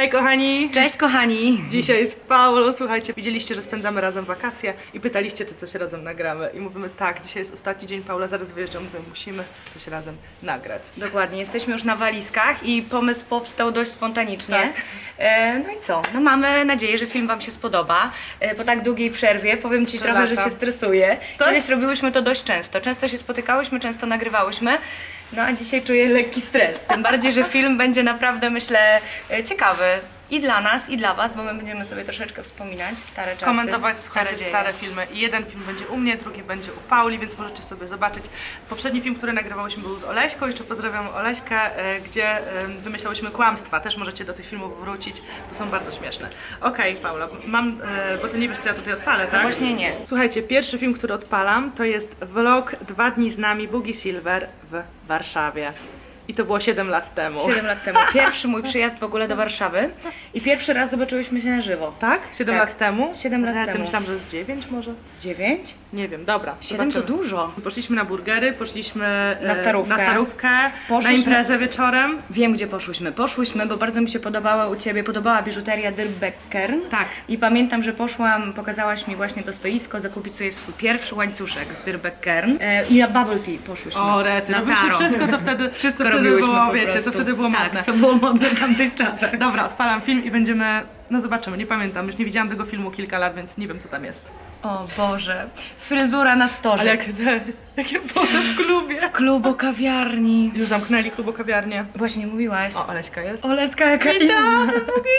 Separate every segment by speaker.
Speaker 1: Hej kochani!
Speaker 2: Cześć kochani!
Speaker 1: Dzisiaj z Paulą, słuchajcie, widzieliście, że spędzamy razem wakacje i pytaliście, czy coś razem nagramy. I mówimy tak, dzisiaj jest ostatni dzień, Paula zaraz wyjeżdża, mówię, musimy coś razem nagrać.
Speaker 2: Dokładnie, jesteśmy już na walizkach i pomysł powstał dość spontanicznie.
Speaker 1: Tak.
Speaker 2: No i co? No mamy nadzieję, że film wam się spodoba. Po tak długiej przerwie powiem ci
Speaker 1: 3
Speaker 2: trochę, że
Speaker 1: lata.
Speaker 2: się stresuję.
Speaker 1: Tak?
Speaker 2: Kiedyś robiłyśmy to dość często. Często się spotykałyśmy, często nagrywałyśmy. No a dzisiaj czuję lekki stres. Tym bardziej, że film będzie naprawdę, myślę, ciekawy. I dla nas, i dla was, bo my będziemy sobie troszeczkę wspominać stare czasy,
Speaker 1: Komentować, słuchajcie,
Speaker 2: dzieje.
Speaker 1: stare filmy. I jeden film będzie u mnie, drugi będzie u Pauli, więc możecie sobie zobaczyć. Poprzedni film, który nagrywałyśmy, był z Oleśką. Jeszcze pozdrawiam Oleśkę, gdzie wymyślałyśmy kłamstwa. Też możecie do tych filmów wrócić, bo są bardzo śmieszne. Okej, Paula, mam, bo ty nie wiesz, co ja tutaj odpalę, tak?
Speaker 2: No właśnie nie.
Speaker 1: Słuchajcie, pierwszy film, który odpalam, to jest vlog 2 dni z nami Boogie Silver w Warszawie. I to było 7 lat temu.
Speaker 2: 7 lat temu. Pierwszy mój przyjazd w ogóle do Warszawy i pierwszy raz zobaczyłyśmy się na żywo.
Speaker 1: Tak? 7
Speaker 2: Tak.
Speaker 1: lat temu?
Speaker 2: 7 lat
Speaker 1: Ja
Speaker 2: temu.
Speaker 1: myślałam, że z 9 może?
Speaker 2: Z 9?
Speaker 1: Nie wiem, dobra.
Speaker 2: 7 to
Speaker 1: zobaczymy.
Speaker 2: dużo.
Speaker 1: Poszliśmy na burgery, poszliśmy
Speaker 2: Na starówkę.
Speaker 1: na, starówkę, na
Speaker 2: Poszliśmy-
Speaker 1: imprezę wieczorem.
Speaker 2: Wiem, gdzie poszłyśmy. Poszłyśmy, bo bardzo mi się podobała biżuteria Dirbeckern.
Speaker 1: Tak.
Speaker 2: I pamiętam, że poszłam, pokazałaś mi właśnie to stoisko, zakupić sobie swój pierwszy łańcuszek z Dirbeckern. I na bubble tea poszłyśmy.
Speaker 1: O, rety,
Speaker 2: Na
Speaker 1: robiliśmy
Speaker 2: taro.
Speaker 1: wszystko, co wtedy,
Speaker 2: Wszystko
Speaker 1: co wtedy
Speaker 2: robiłyśmy
Speaker 1: było,
Speaker 2: po
Speaker 1: wiecie,
Speaker 2: prostu.
Speaker 1: co wtedy było
Speaker 2: tak,
Speaker 1: modne.
Speaker 2: co było modne w tamtych czasach.
Speaker 1: Dobra, odpalam film i będziemy, no zobaczymy, nie pamiętam, już nie widziałam tego filmu kilka lat, więc nie wiem, co tam jest.
Speaker 2: O Boże, fryzura na storze.
Speaker 1: Ale jakie Boże w klubie.
Speaker 2: Klubo kawiarni.
Speaker 1: Już zamknęli klubo kawiarnię.
Speaker 2: Właśnie mówiłaś.
Speaker 1: O, Oleśka jest.
Speaker 2: Oleska jaka inna.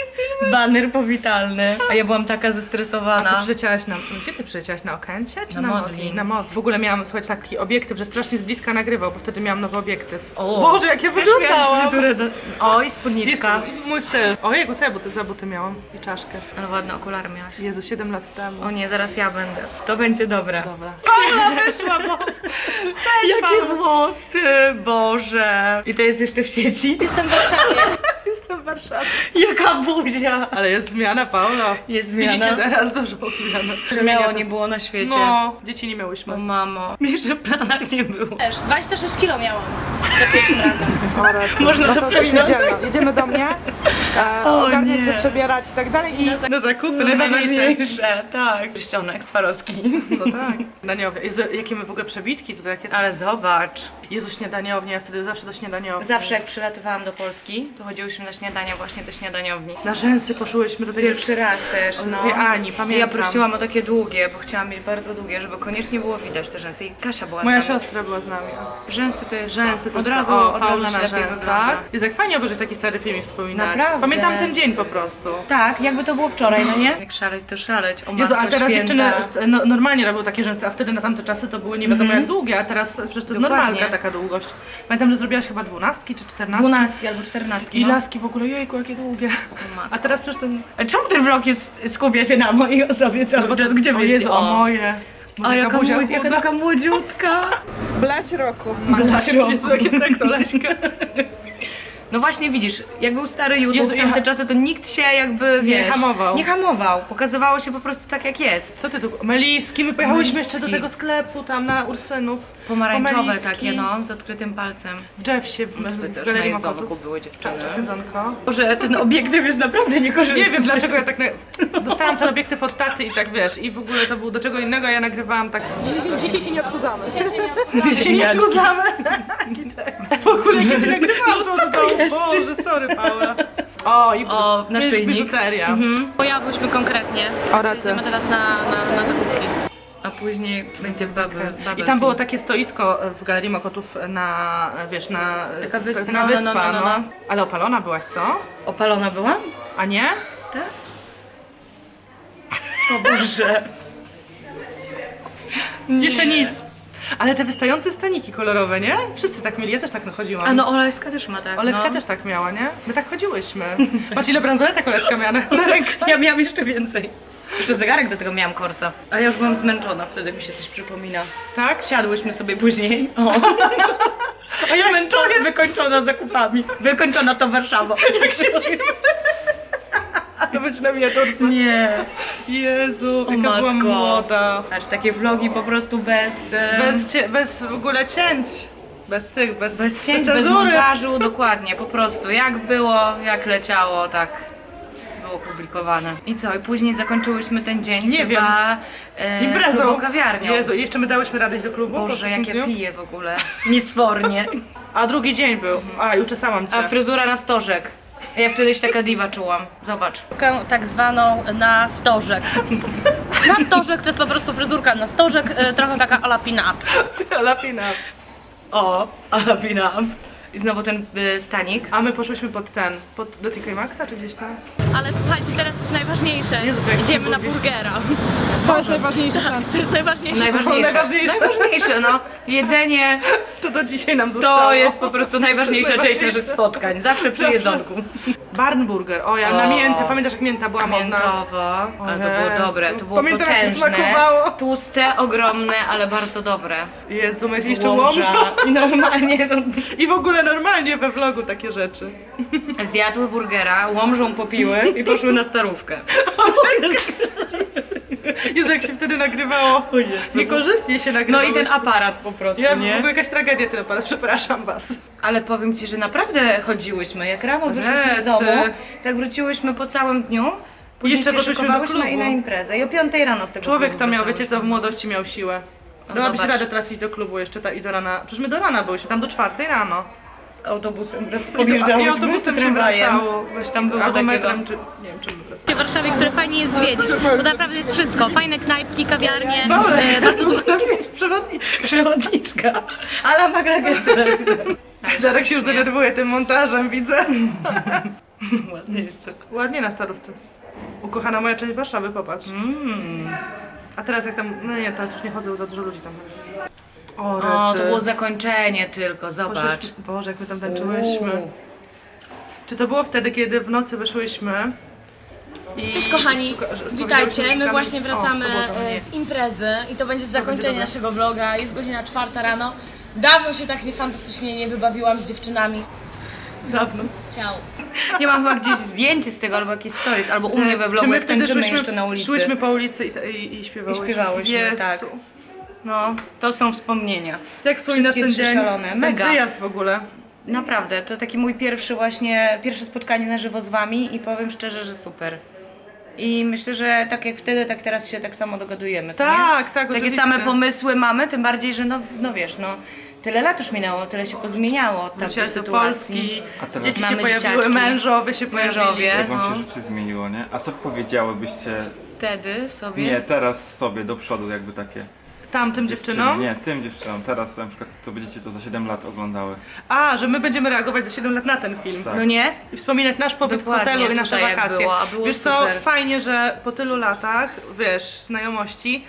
Speaker 2: Baner powitalny. A ja byłam taka
Speaker 1: A
Speaker 2: zestresowana.
Speaker 1: ty przyleciałaś na... Gdzie ty przyleciałaś? Na Okęcie czy
Speaker 2: Na
Speaker 1: na
Speaker 2: Modlin.
Speaker 1: Modlin? Na Modlin. W ogóle miałam, słuchajcie, taki obiektyw, że strasznie z bliska nagrywał, bo wtedy miałam nowy obiektyw.
Speaker 2: O,
Speaker 1: Boże, jak ja
Speaker 2: też
Speaker 1: wyglądałam!
Speaker 2: miałaś fryzurę Oj,
Speaker 1: Jest
Speaker 2: spódniczka.
Speaker 1: mój styl. Ojej, co ja za buty miałam? I czaszkę.
Speaker 2: Ale ładne okulary miałaś.
Speaker 1: Jezu, 7 lat temu.
Speaker 2: O nie, zaraz ja będę. To będzie dobre.
Speaker 1: Dobra. Paula wyszła, bo... Cześć,
Speaker 2: Jakie
Speaker 1: Paula.
Speaker 2: włosy, Boże. I to jest jeszcze w sieci?
Speaker 3: Jestem w Warszawie.
Speaker 1: Jestem w Warszawie.
Speaker 2: Jaka buzia.
Speaker 1: Ale jest zmiana, Paula.
Speaker 2: Jest zmiana.
Speaker 1: Widzicie teraz dużą zmianę.
Speaker 2: Że miało nie było na świecie.
Speaker 1: No, dzieci nie miałyśmy.
Speaker 2: O mamo. Jeszcze w planach nie było.
Speaker 3: Też 26 kilo miałam za pierwszym razem.
Speaker 2: Można to przeminąć.
Speaker 1: Jedziemy do mnie,
Speaker 2: O
Speaker 1: ogarniać
Speaker 2: nie.
Speaker 1: się, przebierać i tak dalej. I na zakupy
Speaker 2: Najważniejsze, tak. Pierścionek Swarowski.
Speaker 1: No tak. Śniadaniownia. Jezu, jakie my w ogóle przebitki tutaj. Jakie...
Speaker 2: Ale zobacz.
Speaker 1: Jezu, śniadaniownia, ja wtedy zawsze do śniadaniowni.
Speaker 2: Zawsze jak przylatywałam do Polski, to chodziłyśmy na śniadania właśnie do śniadaniowni.
Speaker 1: Na rzęsy poszłyśmy do tej
Speaker 2: Pierwszy raz też,
Speaker 1: Od
Speaker 2: no.
Speaker 1: tej Ani,
Speaker 2: I ja
Speaker 1: pamiętam.
Speaker 2: prosiłam o takie długie, bo chciałam mieć bardzo długie, żeby koniecznie było widać te rzęsy. I Kasia była
Speaker 1: Moja
Speaker 2: z nami.
Speaker 1: siostra była z nami.
Speaker 2: Rzęsy to jest
Speaker 1: Rzęsy to
Speaker 2: od
Speaker 1: jest
Speaker 2: razu,
Speaker 1: to. O,
Speaker 2: od razu
Speaker 1: Paula
Speaker 2: się
Speaker 1: na
Speaker 2: lepiej
Speaker 1: rzęsach.
Speaker 2: wygląda.
Speaker 1: Jest jak fajnie obejrzeć taki stary film i wspominać.
Speaker 2: Naprawdę.
Speaker 1: Pamiętam ten dzień po prostu.
Speaker 2: Tak, jakby to było wczoraj, no nie? Jak szaleć, to szaleć. O
Speaker 1: Jezu, a
Speaker 2: Matko
Speaker 1: teraz
Speaker 2: Święta.
Speaker 1: dziewczyny normalnie robią takie rzęsy, a wtedy na tamte czasy to były nie wiadomo jak długie, a teraz przecież to jest
Speaker 2: Dokładnie.
Speaker 1: normalka taka długość. Pamiętam, że zrobiłaś chyba 12 czy 14.
Speaker 2: 12 albo 14.
Speaker 1: I
Speaker 2: no.
Speaker 1: laski w ogóle, jejku, jakie długie.
Speaker 2: matko.
Speaker 1: A teraz przecież ten...
Speaker 2: Czemu ten vlog skupia się na mojej osobie cały czas? Gdzie
Speaker 1: o
Speaker 2: wy
Speaker 1: Jezu,
Speaker 2: jesteście?
Speaker 1: o moje.
Speaker 2: A jaka,
Speaker 1: buzia
Speaker 2: jaka
Speaker 1: chuda.
Speaker 2: taka młodziutka.
Speaker 1: Blać roku.
Speaker 2: Blać roku.
Speaker 1: Jezu, jakie tekst, Oleśka.
Speaker 2: No właśnie widzisz, jak był stary YouTube
Speaker 1: Jezu,
Speaker 2: w tamte czasy, to nikt się jakby, wiesz...
Speaker 1: hamował.
Speaker 2: Nie hamował. Pokazywało się po prostu tak jak jest.
Speaker 1: Co ty tu? Meliski, my pojechałyśmy
Speaker 2: Meliski.
Speaker 1: jeszcze do tego sklepu tam na Ursynów.
Speaker 2: Pomarańczowe
Speaker 1: Meliski.
Speaker 2: takie, no, z odkrytym palcem.
Speaker 1: W Jeffsie, w
Speaker 2: Wy
Speaker 1: w
Speaker 2: też
Speaker 1: Galerii
Speaker 2: na jedzonku
Speaker 1: Mokotów.
Speaker 2: były dziewczyny.
Speaker 1: Tak, jedzonko.
Speaker 2: Boże, ten obiektyw jest naprawdę niekorzystny.
Speaker 1: Nie wiem dlaczego ja tak... Dostałam ten obiektyw od taty i tak wiesz, i w ogóle to było do czego innego, a ja nagrywałam tak... Dzisiaj się nie odchudzamy. Dzisiaj się nie odchudzamy. W ogóle jak ja cię nagrywałam,
Speaker 2: No co to jest?
Speaker 1: Boże, sorry Paula. O, i
Speaker 2: O, naszyjnik.
Speaker 1: biżuteria.
Speaker 3: Pojawłyśmy konkretnie.
Speaker 1: O, rety.
Speaker 3: Idziemy teraz na zakupki.
Speaker 2: A później będzie bubble
Speaker 1: I tam było takie stoisko w Galerii Mokotów na, wiesz, na...
Speaker 2: Taka wyspa,
Speaker 1: Taka wyspa,
Speaker 2: no.
Speaker 1: Ale opalona byłaś, co?
Speaker 2: Opalona była?
Speaker 1: A nie?
Speaker 2: Tak? O Boże.
Speaker 1: Jeszcze nic. Ale te wystające staniki kolorowe, nie? Wszyscy tak mieli, ja też tak chodziłam.
Speaker 2: A no Oleska też ma tak,
Speaker 1: Oleska
Speaker 2: no.
Speaker 1: też tak miała, nie? My tak chodziłyśmy. Patrz ile bransoletek Oleska miała na rękach.
Speaker 2: Ja miałam jeszcze więcej. Jeszcze zegarek do tego miałam Corsa. Ale ja już byłam zmęczona, wtedy mi się coś przypomina.
Speaker 1: Tak?
Speaker 2: Siadłyśmy sobie później. O.
Speaker 1: A jak
Speaker 2: Zmęczona,
Speaker 1: stoję,
Speaker 2: wykończona zakupami. Wykończona to Warszawa.
Speaker 1: jak siedzimy. To być na miniaturce.
Speaker 2: Nie.
Speaker 1: Jezu,
Speaker 2: O
Speaker 1: jaka była
Speaker 2: matko.
Speaker 1: młoda.
Speaker 2: Aż takie vlogi po prostu bez
Speaker 1: Bez w ogóle cięć. Bez tych,
Speaker 2: cięć, bez
Speaker 1: cenzury.
Speaker 2: montażu, dokładnie, po prostu. Jak było, jak leciało, tak. było publikowane. I co? I później zakończyłyśmy ten dzień
Speaker 1: Nie
Speaker 2: chyba
Speaker 1: Imprezą.
Speaker 2: klubą kawiarnią.
Speaker 1: Jezu, i jeszcze my dałyśmy radę iść do klubu?
Speaker 2: Boże,
Speaker 1: po
Speaker 2: jak
Speaker 1: takim
Speaker 2: ja
Speaker 1: dniu?
Speaker 2: piję w ogóle. Niesfornie.
Speaker 1: A drugi dzień był. A, i uczesałam cię.
Speaker 2: A fryzura na stożek. Ja wtedy się taka diwa czułam. Zobacz.
Speaker 3: Tak zwaną na stożek. Na stożek to jest po prostu fryzurka na stożek, trochę taka a la pin-up.
Speaker 1: Lapina.
Speaker 2: O, ale pinam. I znowu ten stanik.
Speaker 1: A my poszłyśmy do TK Maxa czy gdzieś tam?
Speaker 3: Ale słuchajcie, teraz jest najważniejsze.
Speaker 1: Jezu, to jak
Speaker 3: Idziemy
Speaker 1: ty
Speaker 3: na
Speaker 1: mówisz.
Speaker 3: burgera. To jest najważniejsze. To jest najważniejsze.
Speaker 2: Najważniejsze. Najważniejsze, no. Jedzenie
Speaker 1: To do dzisiaj nam zostało.
Speaker 2: to jest po prostu najważniejsza część naszych spotkań. Zawsze przy jedzonku.
Speaker 1: Barnburger. O, ja na miętę. Pamiętasz jak mięta była modna?
Speaker 2: Miętowo. Ale to było
Speaker 1: Jezu.
Speaker 2: dobre. To było
Speaker 1: Pamiętam, jak to
Speaker 2: potężne.
Speaker 1: smakowało.
Speaker 2: Tłuste, ogromne, ale bardzo dobre.
Speaker 1: Jezu, my jeszcze
Speaker 2: Łomża.
Speaker 1: łomża.
Speaker 2: I normalnie to...
Speaker 1: I w ogóle normalnie we vlogu takie rzeczy.
Speaker 2: Zjadły burgera, łomżą popiły i poszły na starówkę.
Speaker 1: Jezu, jak się wtedy nagrywało. Niekorzystnie się
Speaker 2: No
Speaker 1: nagrywało.
Speaker 2: i ten aparat po prostu,
Speaker 1: Ja w
Speaker 2: nie?
Speaker 1: ogóle jakaś tragedia tyle, ale przepraszam was.
Speaker 2: Ale powiem ci, że naprawdę chodziłyśmy. Jak rano wyszłyśmy z
Speaker 1: Rety.
Speaker 2: domu, tak wróciłyśmy po całym dniu. Później
Speaker 1: Jeszcze
Speaker 2: się
Speaker 1: poszłyśmy do
Speaker 2: szykowałyśmy
Speaker 1: klubu.
Speaker 2: i na imprezę. I o 5 rano z tego
Speaker 1: Człowiek
Speaker 2: klubu
Speaker 1: to miał, wiecie co, w
Speaker 2: wracałyśmy.
Speaker 1: młodości miał siłę.
Speaker 2: No
Speaker 1: Dałabyś
Speaker 2: zobacz.
Speaker 1: radę teraz iść do klubu jeszcze i do rana. Przecież my do rana byłyśmy, tam do 4 rano.
Speaker 2: Autobusem
Speaker 1: I
Speaker 2: podjeżdżałyśmy,
Speaker 1: autobusem
Speaker 2: czy
Speaker 1: się
Speaker 2: tramwajem.
Speaker 1: wracało.
Speaker 2: Coś tam było
Speaker 1: Albo
Speaker 2: takiego.
Speaker 1: metrem, czy nie wiem czym wracało.
Speaker 3: W Warszawie, które fajnie jest zwiedzić, bo naprawdę jest wszystko. Fajne knajpki, kawiarnie,
Speaker 1: Dobra,
Speaker 3: bardzo dużo.
Speaker 1: można mieć przewodniczkę.
Speaker 2: Przewodniczka. Ale Magda Gessler.
Speaker 1: Darek się już denerwuje tym montażem, widzę.
Speaker 2: Ładnie jest to.
Speaker 1: Ładnie na starówce. Ukochana moja część Warszawy, popatrz. A teraz jak tam, no nie, teraz już nie chodzę, za dużo ludzi tam. O,
Speaker 2: O,
Speaker 1: rety.
Speaker 2: to było zakończenie tylko, zobacz.
Speaker 1: Poszłyśmy- Boże, jak my tam tańczyłyśmy. Czy to było wtedy, kiedy w nocy wyszłyśmy? I
Speaker 4: Cześć kochani,
Speaker 1: powiedziałyśmy,
Speaker 4: witajcie,
Speaker 1: że
Speaker 4: my
Speaker 1: szukamy-
Speaker 4: właśnie
Speaker 1: O,
Speaker 4: wracamy
Speaker 1: to było to, nie.
Speaker 4: z imprezy i to będzie zakończenie
Speaker 1: dobre.
Speaker 4: naszego vloga, jest godzina 4 rano. Dawno się tak fantastycznie nie wybawiłam z dziewczynami.
Speaker 2: Dawno.
Speaker 4: Ciao.
Speaker 2: Nie mam chyba gdzieś zdjęcie z tego, albo jakieś stories, albo u mnie we
Speaker 1: Czy
Speaker 2: vlogu,
Speaker 1: my
Speaker 2: jak
Speaker 1: wtedy
Speaker 2: tańczymy jeszcze na ulicy.
Speaker 1: Szłyśmy po ulicy i śpiewałyśmy.
Speaker 2: I śpiewałyśmy,
Speaker 1: Jezu.
Speaker 2: tak. No, to są wspomnienia.
Speaker 1: Jak wspominasz
Speaker 2: Wszystkie
Speaker 1: ten
Speaker 2: trzy
Speaker 1: dzień?
Speaker 2: szalone,
Speaker 1: Ten
Speaker 2: mega.
Speaker 1: wyjazd w ogóle.
Speaker 2: Naprawdę, to taki mój pierwsze spotkanie na żywo z wami i powiem szczerze, że super. I myślę, że tak jak wtedy, tak teraz się tak samo dogadujemy, co nie?
Speaker 1: Tak, tak,
Speaker 2: Takie
Speaker 1: oczywiście.
Speaker 2: same pomysły mamy, tym bardziej, że no wiesz, no tyle lat już minęło, tyle się pozmieniało od tamtej
Speaker 1: Wróciłaś do
Speaker 2: sytuacji.
Speaker 1: Polski,
Speaker 5: A teraz-
Speaker 1: dzieci się
Speaker 2: Mamy
Speaker 1: pojawiły,
Speaker 2: dzieciaczki.
Speaker 1: mężowie się pojawili.
Speaker 2: Mężowie.
Speaker 5: Jak wam
Speaker 2: No.
Speaker 5: się życie zmieniło, nie? A co powiedziałybyście,
Speaker 2: Wtedy sobie...
Speaker 5: nie, teraz sobie do przodu jakby takie
Speaker 1: Tamtym dziewczynom?
Speaker 5: Nie, tym dziewczynom, teraz na przykład co będziecie to za 7 lat oglądały.
Speaker 1: A, że my będziemy reagować za 7 lat na ten film.
Speaker 5: Tak.
Speaker 2: No nie?
Speaker 1: I wspominać nasz pobyt
Speaker 2: Dokładnie,
Speaker 1: w hotelu i nasze
Speaker 2: tutaj jak
Speaker 1: wakacje.
Speaker 2: było, a było
Speaker 1: Wiesz co,
Speaker 2: super.
Speaker 1: fajnie, że po tylu latach, wiesz, znajomości,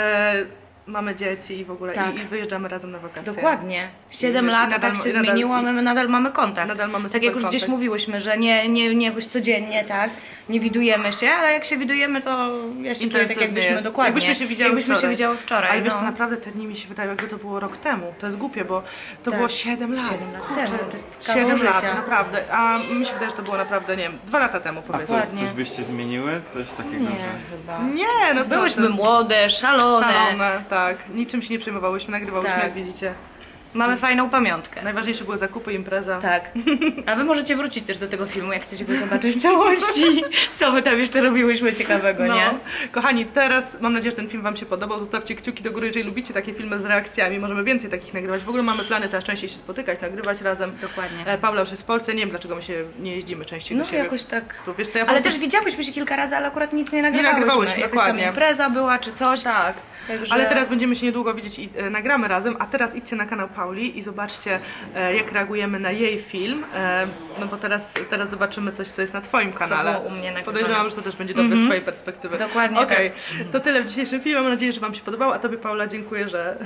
Speaker 1: mamy dzieci i w ogóle
Speaker 2: Tak.
Speaker 1: i wyjeżdżamy razem na wakacje.
Speaker 2: Dokładnie. 7
Speaker 1: I
Speaker 2: lat, a
Speaker 1: nadal-
Speaker 2: tak się
Speaker 1: i nadal-
Speaker 2: zmieniło, a my nadal mamy kontakt.
Speaker 1: Nadal mamy
Speaker 2: tak
Speaker 1: super
Speaker 2: jak już gdzieś
Speaker 1: kontakt.
Speaker 2: mówiłyśmy, że nie jakoś codziennie, tak? Nie widujemy się, ale jak się widujemy, to ja się czuję tak
Speaker 1: Intensywnie
Speaker 2: jakbyśmy
Speaker 1: jest.
Speaker 2: dokładnie.
Speaker 1: Jakbyśmy się widziały
Speaker 2: jakbyśmy
Speaker 1: wczoraj.
Speaker 2: się widziały wczoraj.
Speaker 1: Ale wiesz
Speaker 2: no.
Speaker 1: co, naprawdę te dni mi się wydają, jakby to było rok temu. To jest głupie, bo to
Speaker 2: Tak.
Speaker 1: było 7 lat.
Speaker 2: 7 lat
Speaker 1: Kurczę,
Speaker 2: temu, to jest kawał
Speaker 1: 7 lat,
Speaker 2: życia.
Speaker 1: naprawdę. A mi się wydaje, że to było naprawdę, nie wiem, 2 lata temu
Speaker 5: A
Speaker 1: powiedzmy.
Speaker 2: Dokładnie.
Speaker 5: coś byście zmieniły? Coś takiego,
Speaker 2: Nie,
Speaker 5: że...
Speaker 2: chyba.
Speaker 1: Nie, no co
Speaker 2: Byłyśmy
Speaker 1: ty.
Speaker 2: młode, szalone.
Speaker 1: Szalone, tak. Niczym się nie przejmowałyśmy, nagrywałyśmy,
Speaker 2: Tak.
Speaker 1: jak widzicie.
Speaker 2: Mamy fajną pamiątkę.
Speaker 1: Najważniejsze były zakupy, impreza.
Speaker 2: Tak. A wy możecie wrócić też do tego filmu, jak chcecie go zobaczyć w całości. Co my tam jeszcze robiłyśmy ciekawego,
Speaker 1: No.
Speaker 2: nie?
Speaker 1: Kochani, teraz mam nadzieję, że ten film wam się podobał. Zostawcie kciuki do góry, jeżeli lubicie takie filmy z reakcjami. Możemy więcej takich nagrywać. W ogóle mamy plany teraz częściej się spotykać, nagrywać razem.
Speaker 2: Dokładnie.
Speaker 1: Paula już jest w Polsce, nie wiem dlaczego my się nie jeździmy częściej
Speaker 2: No
Speaker 1: do siebie.
Speaker 2: jakoś tak.
Speaker 1: Tu, wiesz co, ja po
Speaker 2: Ale
Speaker 1: prostu...
Speaker 2: też widziałyśmy się kilka razy, ale akurat nic nie nagrywałyśmy.
Speaker 1: nagrywałyśmy,
Speaker 2: Jakaś
Speaker 1: dokładnie.
Speaker 2: tam impreza była czy coś.
Speaker 1: Tak,
Speaker 2: Także...
Speaker 1: ale teraz będziemy się niedługo widzieć i nagramy razem, a teraz idźcie na kanał Pauli i zobaczcie jak reagujemy na jej film, no bo teraz zobaczymy coś, co jest na twoim kanale.
Speaker 2: było u mnie nagrywane.
Speaker 1: Podejrzewam, że to też będzie dobre z twojej perspektywy.
Speaker 2: Dokładnie
Speaker 1: Okej, to tyle w dzisiejszym filmie, mam nadzieję, że wam się podobało, a tobie Paula dziękuję, że,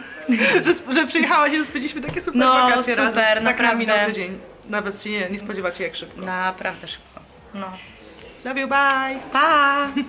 Speaker 1: że przyjechałaś i że spędziliśmy takie super
Speaker 2: No,
Speaker 1: wakacje
Speaker 2: super,
Speaker 1: razem. Tak nam
Speaker 2: naprawdę.
Speaker 1: minął tydzień, nawet się nie spodziewacie jak szybko.
Speaker 2: Naprawdę szybko. No.
Speaker 1: Love you, bye!
Speaker 2: Pa!